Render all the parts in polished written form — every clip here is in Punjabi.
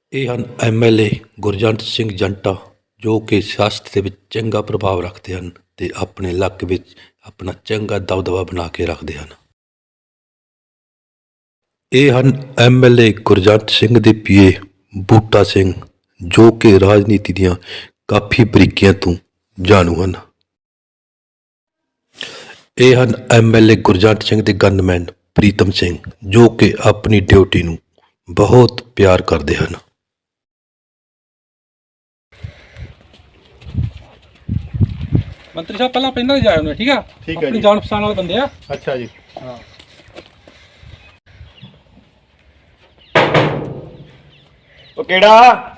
ਇਹ ਹਨ ਐਮਐਲਏ ਗੁਰਜੰਟ ਸਿੰਘ ਜੰਟਾ, ਜੋ ਕਿ ਸਿਆਸਤ ਦੇ ਵਿੱਚ ਚੰਗਾ ਪ੍ਰਭਾਵ ਰੱਖਦੇ ਹਨ ਅਤੇ ਆਪਣੇ ਇਲਾਕੇ ਵਿੱਚ ਆਪਣਾ ਚੰਗਾ ਦਬਦਬਾ ਬਣਾ ਕੇ ਰੱਖਦੇ ਹਨ। ਇਹ ਹਨ ਐਮਐਲਏ ਗੁਰਜੰਟ ਸਿੰਘ ਦੇ ਪੀਏ ਬੂਟਾ ਸਿੰਘ, ਜੋ ਕਿ ਰਾਜਨੀਤੀ ਦੀਆਂ ਕਾਫੀ ਬਰੀਕੀਆਂ ਤੋਂ ਜਾਣੂ ਹਨ। ਇਹ ਹਨ ਐਮਐਲਏ ਗੁਰਜੰਟ ਸਿੰਘ ਦੇ ਗਨਮੈਨ ਪ੍ਰੀਤਮ ਸਿੰਘ, ਜੋ ਕਿ ਆਪਣੀ ਡਿਊਟੀ ਨੂੰ ਬਹੁਤ ਪਿਆਰ ਕਰਦੇ ਹਨ। ਮੰਤਰੀ ਸਾਹਿਬ ਪਹਿਲਾਂ ਪਿੰਡਾਂ ਦੇ ਜਾਏ ਉਹਨੇ, ਠੀਕ ਆ? ਠੀਕ ਹੈ ਆਪਣੀ ਜੀ। ਜਾਣ ਪਛਾਣ ਵਾਲੇ ਬੰਦੇ ਆ। ਅੱਛਾ ਜੀ। ਹਾਂ, ਉਹ ਕਿਹੜਾ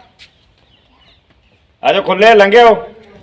ਆਜੋ, ਖੁੱਲੇ ਲੰਘਿਓ।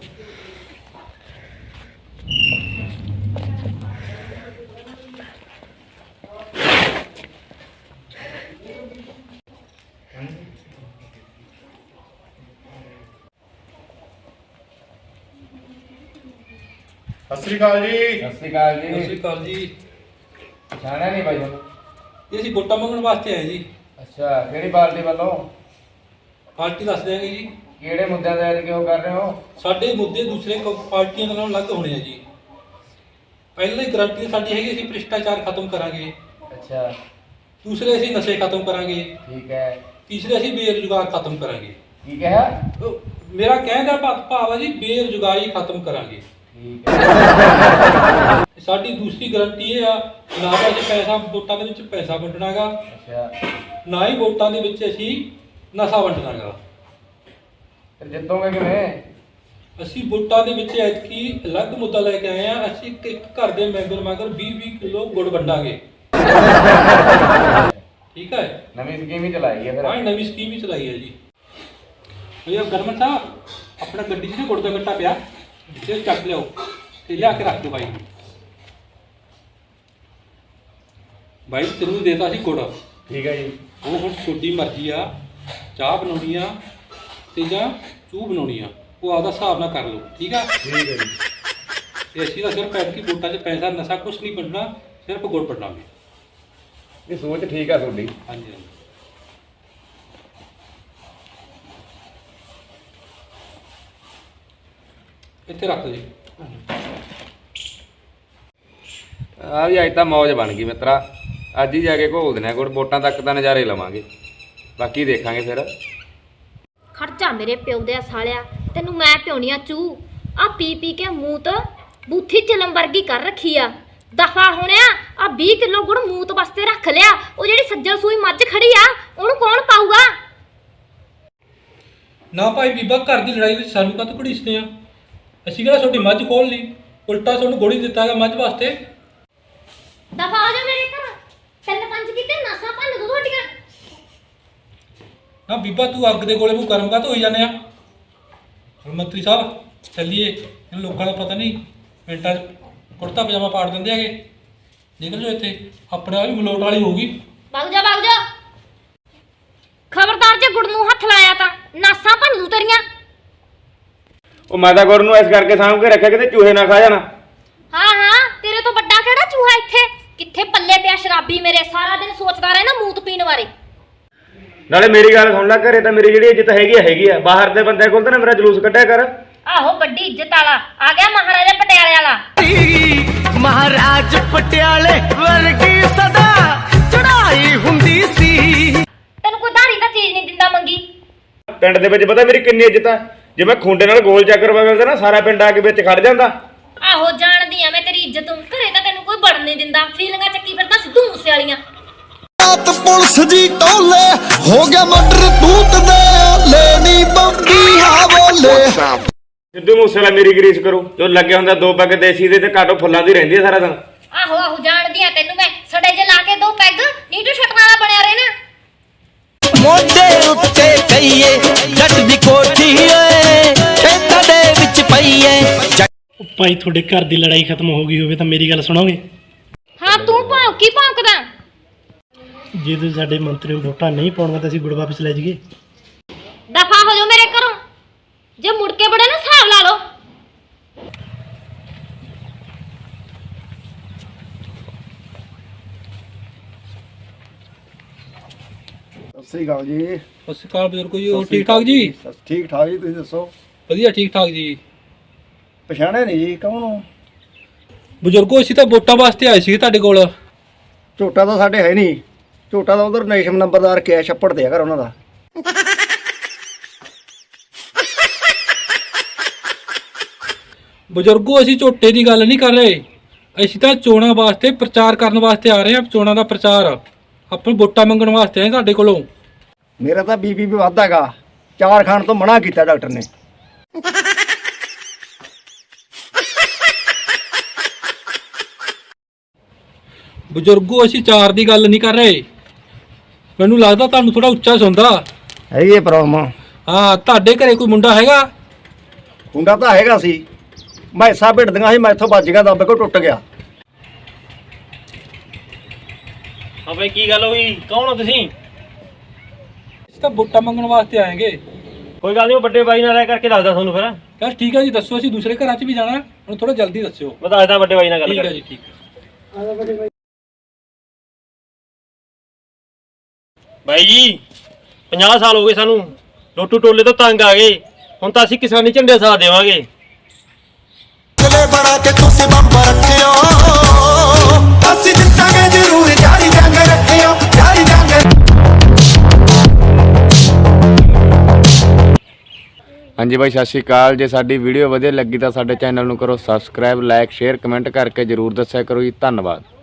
ਸਤਿ ਸ੍ਰੀ ਅਕਾਲ ਜੀ। ਸਤਿ ਸ਼੍ਰੀ ਅਕਾਲ ਸਤਿ ਸ਼੍ਰੀ ਜੀ। ਅਕਾਲ ਜੀ। ਪਛਾਣਿਆ ਨਹੀਂ ਬਾਈ ਤੁਹਾਨੂੰ? ਇਹ ਅਸੀਂ ਵੋਟਾਂ ਮੰਗਣ ਵਾਸਤੇ ਆਏ ਜੀ। ਅੱਛਾ, ਕਿਹੜੀ ਪਾਰਟੀ ਵੱਲੋਂ? ਪਾਰਟੀ ਦੱਸ ਦਿਆਂਗੇ ਜੀ। ਕਿਹੜੇ ਮੁੱਦਿਆਂ ਤੇ ਅੱਜ ਕਿਉਂ ਕਰ ਰਹੇ ਹੋ? ਸਾਡੇ ਮੁੱਦੇ ਦੂਸਰੇ ਪਾਰਟੀਆਂ ਨਾਲੋਂ ਅਲੱਗ ਹੋਣੇ ਆ ਜੀ। ਪਹਿਲੀ ਗਰੰਟੀ ਸਾਡੀ ਹੈਗੀ ਅਸੀਂ ਭ੍ਰਿਸ਼ਟਾਚਾਰ ਖਤਮ ਕਰਾਂਗੇ। ਅੱਛਾ, ਦੂਸਰੇ ਅਸੀਂ ਨਸ਼ੇ ਖਤਮ ਕਰਾਂਗੇ। ਠੀਕ ਹੈ। ਤੀਸਰੇ ਅਸੀਂ ਬੇਰੁਜ਼ਗਾਰ ਖਤਮ ਕਰਾਂਗੇ। ਕੀ ਕਿਹਾ? ਮੇਰਾ ਕਹਿਣ ਦਾ ਭਾਵ ਆ ਜੀ, ਬੇਰੁਜ਼ਗਾਰੀ ਖਤਮ ਕਰਾਂਗੇ। ਠੀਕ ਹੈ। ਸਾਡੀ ਦੂਸਰੀ ਗਰੰਟੀ ਇਹ ਆ, ਨਾ ਤਾਂ ਅਸੀਂ ਪੈਸਾ ਵੋਟਾਂ ਦੇ ਵਿੱਚ ਪੈਸਾ ਵੰਡਣਾ ਗਾ, ਅੱਛਾ, ਨਾ ਹੀ ਵੋਟਾਂ ਦੇ ਵਿੱਚ ਅਸੀਂ ਨਸ਼ਾ ਵੰਡਣਾ ਗਾ। ਫਿਰ ਜਿੱਤੋਗੇ ਕਿਵੇਂ? ਅਸੀਂ ਵੋਟਾਂ ਦੇ ਵਿੱਚ ਐਤਕੀ ਅਲੱਗ ਮੁੱਦਾ ਲੈ ਕੇ ਆਏ ਆ। ਅਸੀਂ ਇੱਕ ਘਰ ਦੇ ਮੈਂਬਰ ਮਗਰ 20-20 ਕਿਲੋ ਗੁੜ ਵੰਡਾਂਗੇ। ਠੀਕ ਹੈ। ਨਵੀਂ ਸਕੀਮ ਹੀ ਚਲਾਈ ਹੈ ਫਿਰ। ਹਾਂ, ਨਵੀਂ ਸਕੀਮ ਹੀ ਚਲਾਈ ਹੈ ਜੀ। ਭਈਆ ਗਰਮਨ ਸਾਹਿਬ, ਆਪਣਾ ਗੱਡੀ 'ਚ ਨਾ ਗੁੜ ਦਾ ਗੱਟਾ ਪਿਆ, ਤੇ ਚੱਕ ਲਿਆਓ ਤੇ ਲਿਆ ਕੇ ਰੱਖ ਦਿਓ ਬਾਈ ਨੂੰ। ਬਾਈ ਤੈਨੂੰ ਦੇਤਾ ਸੀ ਗੁੜ, ਠੀਕ ਹੈ ਜੀ। ਉਹ ਹੁਣ ਤੁਹਾਡੀ ਮਰਜ਼ੀ ਆ, ਚਾਹ ਬਣਾਉਣੀ ਆ ਤੇ ਜਾਂ ਚੂਹ ਬਣਾਉਣੀ ਆ, ਉਹ ਆਪਦਾ ਹਿਸਾਬ ਨਾਲ ਕਰ ਲਓ। ਠੀਕ ਆ? ਠੀਕ ਹੈ ਜੀ। ਤੇ ਅਸੀਂ ਤਾਂ ਸਿਰਫ ਐਤਕੀ ਵੋਟਾਂ 'ਚ ਪੈਸਾ ਨਸ਼ਾ ਕੁਛ ਨਹੀਂ ਵੰਡਣਾ, ਸਿਰਫ ਗੁੜ ਵੰਡਾਂਗੇ। ਇਹ ਸੋਚ ਠੀਕ ਆ ਤੁਹਾਡੀ। ਹਾਂਜੀ ਹਾਂਜੀ। ਇੱਥੇ ਰੱਖ ਦਿਓ ਜੀ। ਆ ਵੀ ਅੱਜ ਤਾਂ ਮੌਜ ਬਣ ਗਈ ਮਿੱਤਰਾ। ਅੱਜ ਹੀ ਜਾ ਕੇ ਘੋਲ ਦੇਣਾ ਗੁੜ, ਵੋਟਾਂ ਤੱਕ ਤਾਂ ਨਜ਼ਾਰੇ ਲਵਾਂਗੇ, ਬਾਕੀ ਦੇਖਾਂਗੇ ਫਿਰ। ਖਰਚਾ ਮੇਰੇ ਪਿਓ ਦੇ ਸਾਲਿਆ, ਤੈਨੂੰ ਮੈਂ ਪਿਉਣੀ ਆ ਚੂ ਆ ਪੀ ਪੀ ਕੇ ਮੂੰਹ ਤੋਂ ਬੂਥੀ ਚਲਮ ਵਰਗੀ ਕਰ ਰੱਖੀ ਆ। ਦਫਾ ਹੋਣਿਆ, ਆ 20 ਕਿਲੋ ਗੁੜ ਮੂਤ ਵਾਸਤੇ ਰੱਖ ਲਿਆ। ਉਹ ਜਿਹੜੀ ਸੱਜਲ ਸੂਈ ਮੱਝ ਖੜੀ ਆ, ਉਹਨੂੰ ਕੌਣ ਪਾਊਗਾ? ਨਾ ਭਾਈ ਬੀਬਾ, ਘਰ ਦੀ ਲੜਾਈ ਵਿੱਚ ਸਾਨੂੰ ਕਾਹਤੋਂ ਘੜੀਸਦੇ ਆ? ਅਸੀਂ ਕਿਹੜਾ ਤੁਹਾਡੀ ਮੱਝ ਖੋਲ ਲਈ, ਉਲਟਾ ਤੁਹਾਨੂੰ ਗੋਲੀ ਦਿੱਤਾ ਹੈਗਾ ਮੱਝ ਵਾਸਤੇ। ਦਫਾ ਹੋ ਜਾ ਮੇਰੇ ਘਰ। 3-5 ਕਿਤੇ ਨਾਸਾਂ ਭੰਨ ਦੋ ਤੁਹਾਡੀਆਂ। ਨਾ ਬੀਬਾ, ਤੂੰ ਅੱਗ ਦੇ ਗੋਲੇ ਮੂੰਹ ਗਰਮ ਕਾਹਤੋਂ ਹੋਈ ਜਾਂਦੇ ਆ? ਹੁਣ ਮੰਤਰੀ ਸਾਹਿਬ ਚੱਲੀਏ, ਇਹਨਾਂ ਲੋਕਾਂ ਦਾ ਪਤਾ ਨਹੀਂ, ਮਿੰਟਾਂ 'ਚ ਕੁੜਤਾ ਪਜਾਮਾ ਪਾੜ ਦਿੰਦੇ ਹੈਗੇ। ਨਿਕਲ ਜਾਓ ਇੱਥੇ, ਆਪਣੇ ਆਪ ਹੀ ਮਲੋਟ ਵਾਲੀ ਹੋਊਗੀ। ਵਗ ਜਾ ਵਗ ਜਾ। ਖਬਰਦਾਰ ਜੇ ਗੁੜ ਨੂੰ ਹੱਥ ਲਾਇਆ ਤਾਂ ਨਾਸਾਂ ਭੰਨ ਦੂ ਤੇਰੀਆਂ। ਉਹ ਮੈਂ ਤਾਂ ਗੁਰ ਨੂੰ ਇਸ ਕਰਕੇ ਸਾਂਭ ਕੇ ਰੱਖਿਆ, ਕਿਤੇ ਚੂਹੇ ਨਾ ਖਾ ਜਾਣਾ। ਹਾਂ ਹਾਂ, ਤੇਰੇ ਤੋਂ ਵੱਡਾ ਕਿਹੜਾ ਚੂਹਾ ਇੱਥੇ? ਕਿੱਥੇ ਪੱਲੇ ਪਿਆ ਸ਼ਰਾਬੀ ਮੇਰੇ, ਸਾਰਾ ਦਿਨ ਸੋਚਦਾ ਰਹਿਣਾ ਮੂਤ ਪੀਣ ਬਾਰੇ। ਨਾਲੇ ਮੇਰੀ ਗੱਲ ਸੁਣ ਲੈ, ਘਰੇ ਤਾਂ ਮੇਰੀ ਜਿਹੜੀ ਇੱਜ਼ਤ ਹੈਗੀ ਆ, ਬਾਹਰ ਦੇ ਬੰਦੇ ਕੋਲ ਤਾਂ ਨਾ ਮੇਰਾ ਜਲੂਸ ਕੱਢਿਆ ਕਰ। ਆਹੋ, ਵੱਡੀ ਇੱਜ਼ਤ ਵਾਲਾ ਆ ਗਿਆ, ਮਹਾਰਾਜਾ ਪਟਿਆਲੇ ਵਾਲਾ। ਮਹਾਰਾਜ ਪਟਿਆਲੇ ਵਰਗੀ ਸਦਾ ਚੜਾਈ ਹੁੰਦੀ ਸੀ। ਤੈਨੂੰ ਕੋਈ ਧਾਰੀ ਤਾਂ ਚੀਜ਼ ਨਹੀਂ ਦਿੰਦਾ ਮੰਗੀ। ਪਿੰਡ ਦੇ ਵਿੱਚ ਪਤਾ ਮੇਰੀ ਕਿੰਨੀ ਇੱਜ਼ਤ ਆ। ਜੇ ਮੈਂ ਖੁੰਡੇ ਨਾਲ ਗੋਲ ਚੱਕਰ ਵਗਲਦਾ ਨਾ, ਸਾਰਾ ਪਿੰਡ ਆ ਕੇ ਵਿੱਚ ਖੜ ਜਾਂਦਾ। ਆਹੋ, ਜਾਣਦੀ ਆ ਮੈਂ ਤੇਰੀ ਇੱਜ਼ਤ। ਘਰੇ ਤਾਂ ਤੈਨੂੰ ਕੋਈ ਵੜਨ ਨਹੀਂ ਦਿੰਦਾ। ਫੀਲਿੰਗਾਂ ਚੱਕੀ ਫਿਰਦਾ ਸਿੱਧੂ ਮੂਸੇ ਵਾਲੀਆਂ। ਰਾਤ ਪੁਲਿਸ ਜੀ ਟੋਲੇ ਹੋ ਗਿਆ ਮਰਡਰ ਤੂਤ ਦੇ ਲੈਣੀ ਬੰਬੀ ਹਾ ਬੋਲੇ। ਸਿੱਧੂ ਮੂਸੇਵਾਲਾ ਮੇਰੀ ਗਰੀਸ ਕਰੂ, ਜੋ ਲੱਗੇ ਹੁੰਦਾ 2 ਪੈਗ ਦੇਸੀ ਦੇ ਤੇ ਕਾਟੋ ਫੁੱਲਾਂ ਦੀ ਰਹਿੰਦੀ ਆ ਸਾਰਾ ਦਿਨ। ਆਹੋ ਆਹੋ, ਜਾਣਦੀ ਆ ਤੈਨੂੰ ਮੈਂ। ਸੜੇ ਜੇ ਲਾ ਕੇ 2 ਪੈਗ ਨੀਟੂ ਛੱਟਣ ਵਾਲਾ ਬਣਿਆ ਰਹਿਣਾ। ਮੋਢੇ ਉੱਤੇ ਕਈਏ ਜੱਟ ਦੀ ਕੋਠੀ ਏ, ਖੇਤਾਂ ਦੇ ਵਿੱਚ ਪਈ ਏ। ਭਾਈ ਤੁਹਾਡੇ ਘਰ ਦੀ ਲੜਾਈ ਖਤਮ ਹੋ ਗਈ ਹੋਵੇ ਤਾਂ ਮੇਰੀ ਗੱਲ ਸੁਣੋਗੇ? ਹਾਂ, ਤੂੰ ਭੌਂਕੀ ਭੌਂਕਦਾ। ਜੇ ਤੁਸੀਂ ਸਾਡੇ ਮੰਤਰੀ ਨੂੰ ਵੋਟਾਂ ਨਹੀਂ ਪਾਉਣਗੇ ਤਾਂ ਅਸੀਂ ਗੁੜ ਵਾਪਸ ਲੈ ਜਾਈਏ। ਦਫਾ ਹੋ ਜਾਓ ਮੇਰੇ ਘਰੋਂ। ਜੇ ਮੁੜ ਕੇ ਬੜੇ ਨਾ ਹਿਸਾਬ ਲਾ ਲਓ। ਸਤਿ ਸ੍ਰੀ ਅਕਾਲ ਜੀ। ਸਤਿ ਸ਼੍ਰੀ ਅਕਾਲ ਬਜ਼ੁਰਗੋ ਜੀ, ਹੋਰ ਠੀਕ ਠਾਕ ਜੀ? ਠੀਕ ਠਾਕ ਜੀ, ਤੁਸੀਂ ਦੱਸੋ? ਵਧੀਆ ਠੀਕ ਠਾਕ ਜੀ। ਪਛਾਣਿਆ ਨਹੀਂ ਜੀ, ਕੌਣ ਹੋ? ਬਜ਼ੁਰਗੋ ਅਸੀਂ ਤਾਂ ਵੋਟਾਂ ਵਾਸਤੇ ਆਏ ਸੀ ਤੁਹਾਡੇ ਕੋਲ। ਝੋਟਾ ਤਾਂ ਸਾਡੇ ਹੈ ਨਹੀਂ, ਝੋਟਾ ਤਾਂ ਉਧਰ ਨੇਸ਼ਮ ਨੰਬਰਦਾਰ ਕਿਹਾ ਛੱਪੜ ਦੇ ਆ ਘਰ ਉਹਨਾਂ ਦਾ। ਬਜ਼ੁਰਗੋ ਅਸੀਂ ਝੋਟੇ ਦੀ ਗੱਲ ਨਹੀਂ ਕਰ ਰਹੇ, ਅਸੀਂ ਤਾਂ ਚੋਣਾਂ ਵਾਸਤੇ ਪ੍ਰਚਾਰ ਕਰਨ ਵਾਸਤੇ ਆ ਰਹੇ ਹਾਂ। ਚੋਣਾਂ ਦਾ ਪ੍ਰਚਾਰ ਆਪਾਂ ਵੋਟਾਂ ਮੰਗਣ ਵਾਸਤੇ ਆਏ ਤੁਹਾਡੇ ਕੋਲੋਂ। ਮੇਰਾ ਤਾਂ ਬੀਪੀ ਵੀ ਵੱਧਦਾ ਹੈਗਾ, 4 ਖਾਣ ਤੋਂ ਮਨਾ ਕੀਤਾ ਡਾਕਟਰ ਨੇ। ਬਜ਼ੁਰਗੋ ਅਸੀਂ ਚਾਰ ਦੀ ਗੱਲ ਨਹੀਂ ਕਰ ਰਹੇ, ਮੈਨੂੰ ਲੱਗਦਾ ਤੁਹਾਨੂੰ ਥੋੜਾ ਉੱਚਾ ਸੁਣਦਾ। ਹੈਗੀ ਇਹ ਪ੍ਰੋਬਲਮ। ਹਾਂ, ਤੁਹਾਡੇ ਘਰੇ ਕੋਈ ਮੁੰਡਾ ਹੈਗਾ? ਹੁੰਦਾ ਤਾਂ ਹੈਗਾ ਸੀ, ਮੈਂ ਸਾ ਭਿੜਦੀਆਂ ਸੀ, ਮੈਂ ਇੱਥੋਂ ਵੱਜ ਗਿਆ, ਦੱਬ ਕੇ ਟੁੱਟ ਗਿਆ। ਹਾਂ ਬਾਈ, ਕੀ ਗੱਲ ਹੋਈ? ਕੌਣ ਹੋ ਤੁਸੀਂ? ਅਸੀਂ ਤਾਂ ਵੋਟਾਂ ਮੰਗਣ ਵਾਸਤੇ ਆਏਗੇ। ਕੋਈ ਗੱਲ ਨਹੀਂ, ਉਹ ਵੱਡੇ ਬਾਈ ਨਾਲ ਰਹਿ ਕਰਕੇ ਦੱਸਦਾ ਤੁਹਾਨੂੰ ਫਿਰ। ਯਾਰ ਠੀਕ ਹੈ ਜੀ, ਦੱਸੋ। ਅਸੀਂ ਦੂਸਰੇ ਘਰਾਂ 'ਚ ਵੀ ਜਾਣਾ, ਹੁਣ ਥੋੜਾ ਜਲਦੀ ਦੱਸਿਓ। ਮੈਂ ਦੱਸਦਾ ਵੱਡੇ ਬਾਈ ਨਾਲ ਗੱਲ ਠੀਕ ਹੈ ਕਰਕੇ। ਜੀ, ਠੀਕ ਹੈ। ਬਾਈ ਜੀ 50 ਸਾਲ ਹੋ ਗਏ ਸਾਨੂੰ, ਲੋਟੂ ਟੋਲੇ ਤੋਂ ਤੰਗ ਆ ਗਏ, ਹੁਣ ਤਾਂ ਅਸੀਂ ਕਿਸਾਨੀ ਝੰਡੇ ਸਾਥ ਦੇਵਾਂਗੇ। ਅਗਲੇ ਬਣਾ ਕੇ ਤੁਸੀਂ ਬੰਬ ਰੱਖਿਓ, ਅਸੀਂ ਜਿੱਤਾਂਗੇ ਜ਼ਰੂਰ, ਜਾਰੀ ਜੰਗ ਰੱਖਿਓ, ਜਾਰੀ ਜੰਗ। ਹਾਂਜੀ ਬਾਈ, ਸਤਿ ਸ਼੍ਰੀ ਅਕਾਲ। ਜੇ ਸਾਡੀ ਵੀਡੀਓ ਵਧੀਆ ਲੱਗੀ ਤਾਂ ਸਾਡੇ ਚੈਨਲ ਨੂੰ ਕਰੋ ਸਬਸਕ੍ਰਾਈਬ, ਲਾਈਕ, ਸ਼ੇਅਰ, ਕਮੈਂਟ ਕਰਕੇ ਜਰੂਰ ਦੱਸਿਆ ਕਰੋ ਜੀ। ਧੰਨਵਾਦ।